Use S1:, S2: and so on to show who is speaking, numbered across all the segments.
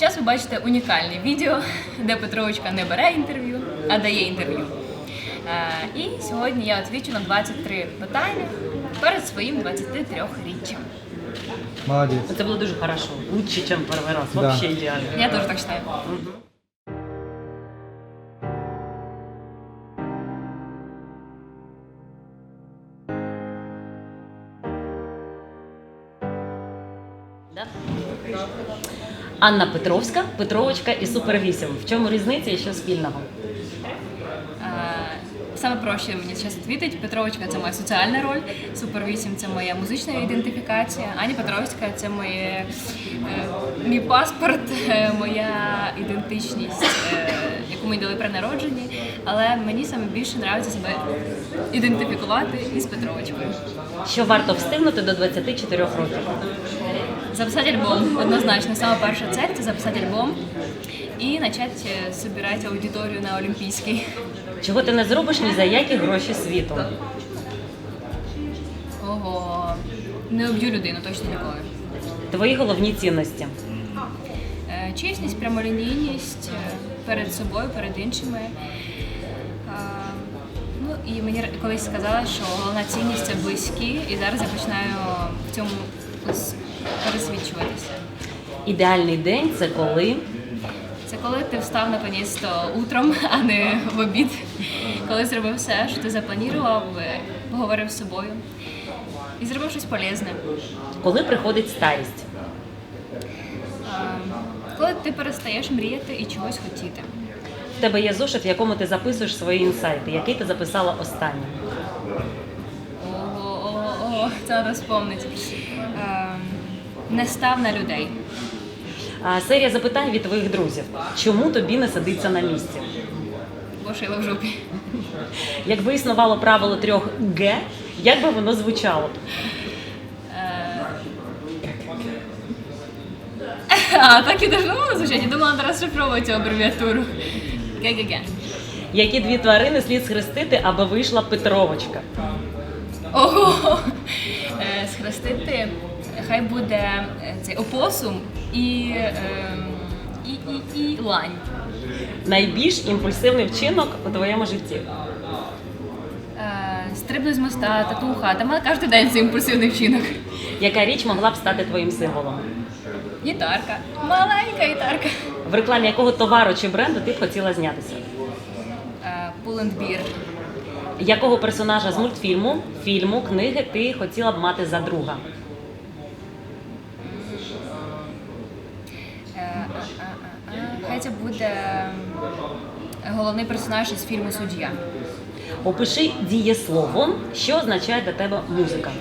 S1: Зараз ви бачите унікальне відео, де Петровочка не бере інтерв'ю, а дає інтерв'ю. І сьогодні я відповідаю на 23 питання перед своїм 23-річчям.
S2: Молодець.
S3: Це було дуже хорошо. Лучше, ніж перший раз.
S2: Да.
S3: Вообще ідеально.
S1: Я теж так вважаю.
S3: Да? Анна Петровська, Петровочка і Супер 8. В чому різниця і що спільного?
S1: Саме проще мені зараз відповідати. Петровочка – це моя соціальна роль, Супер 8 – це моя музична ідентифікація, Аня Петровська – це мій паспорт, моя ідентичність, яку мені дали при народженні. Але мені саме більше подобається себе ідентифікувати із Петровочкою.
S3: Що варто встигнути до 24 років?
S1: Записати альбом, однозначно. Саме перша цель – це записати альбом і почати збирати аудиторію на Олімпійській.
S3: Чого ти не зробиш ні за які гроші світу?
S1: Ого, не об'ю людину, точно ніколи.
S3: Твої головні цінності?
S1: Чесність, прямолінійність перед собою, перед іншими. Ну і мені колись сказали, що головна цінність – це близькі, і зараз я починаю в цьому пересвідчуватися.
S3: Ідеальний день – це коли?
S1: Це коли ти встав наконець-то утром, а не в обід. Коли зробив все, що ти запланував, поговорив з собою і зробив щось полезне.
S3: Коли приходить старість?
S1: Коли ти перестаєш мріяти і чогось хотіти.
S3: В тебе є зошит, в якому ти записуєш свої інсайти. Який ти записала останнім?
S1: Ого, це треба вспомнити. Не став на людей.
S3: Серія запитань від твоїх друзів. Чому тобі не сидиться на місці?
S1: Бо шила в жопі.
S3: Якби існувало правило 3 Г, як би воно звучало?
S1: Так і должно було звучати. Я думала, треба розшифровувати цю абревіатуру. ГГГ.
S3: Які 2 тварини слід схрестити, аби вийшла Петровочка?
S1: Ого! Схрестити, хай буде цей опосум і лань.
S3: Найбільш імпульсивний вчинок у твоєму житті?
S1: Стрибну з моста, татуха. Та мене кожен день це імпульсивний вчинок.
S3: Яка річ могла б стати твоїм символом?
S1: Гітарка. Маленька гітарка.
S3: В рекламі якого товару чи бренду ти б хотіла знятися?
S1: Pull&Bear.
S3: Якого персонажа з мультфільму, фільму, книги ти хотіла б мати за друга?
S1: Хай це буде головний персонаж із фільму «Суддя».
S3: Опиши дієсловом, що означає для тебе музика.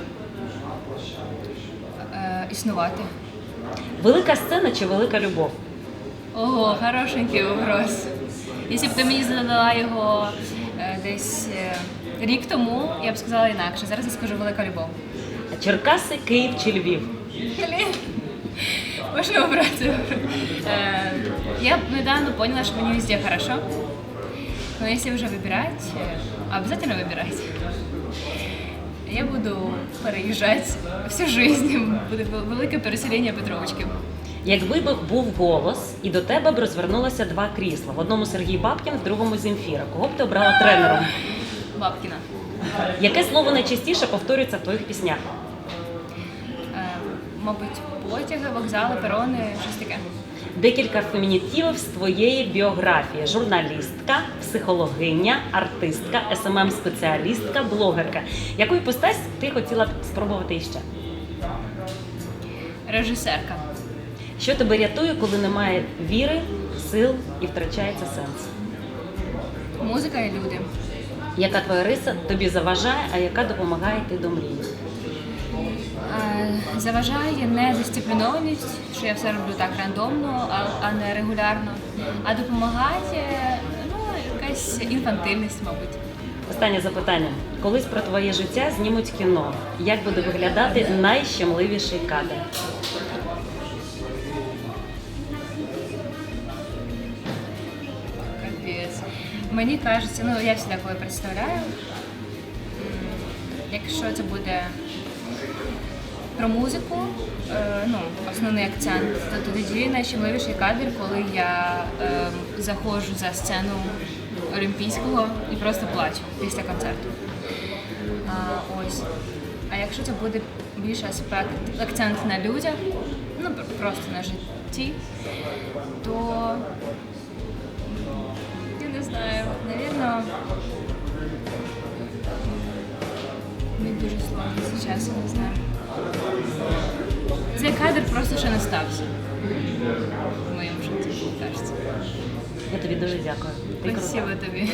S1: Існувати.
S3: Велика сцена чи велика любов?
S1: Ого, хорошенький вопрос. Якщо б ти мені задала його десь рік тому, я б сказала інакше. Зараз я скажу велика любов.
S3: Черкаси, Київ чи Львів?
S1: Блін, можна обрати. Я недавно поняла, что мне везде хорошо. Но если уже выбирать, обязательно выбирать. Я буду переїжджати всю жизнь. Буде велике переселення Петровочки.
S3: Якби був голос, і до тебе б розвернулося 2 крісла. В одному Сергій Бабкін, в другому Земфіра. Кого б ти обрала тренером?
S1: Бабкіна.
S3: Яке слово найчастіше повторюється в твоїх піснях?
S1: Мабуть, потяги, вокзали, перони, щось таке.
S3: Декілька фемінітивів з твоєї біографії. Журналістка, психологиня, артистка, СММ-спеціалістка, блогерка. Яку іпостась ти хотіла б спробувати іще?
S1: Режисерка.
S3: Що тебе рятує, коли немає віри, сил і втрачається сенс?
S1: Музика і люди.
S3: Яка твоя риса тобі заважає, а яка допомагає йти до мрії?
S1: Заважає недисциплінованість, що я все роблю так рандомно, а не регулярно. А допомагає, якась інфантильність, мабуть.
S3: Останнє запитання. Колись про твоє життя знімуть кіно. Як буде виглядати найщемливіший кадр?
S1: Капець. Мені кажеться, я завжди коли представляю, якщо це буде про музику, основний акцент, то тоді найщемливіший кадр, коли я заходжу за сцену Олімпійського і просто плачу після концерту. Ось. А якщо це буде більше акцент на людях, просто на житті, то я не знаю, навірно, мені дуже сложно зараз, я не знаю. Цей кадр просто ще не стався в моєму житті, кажеться.
S3: Я тобі дуже дякую. Ти крута.
S1: Спасибо тобі.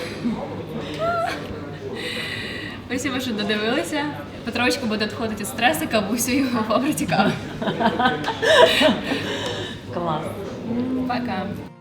S1: Спасибо, що додивилися. Петровочка буде відходити від стресу, кавусею в фабриці кави.
S3: Клас.
S1: Пока.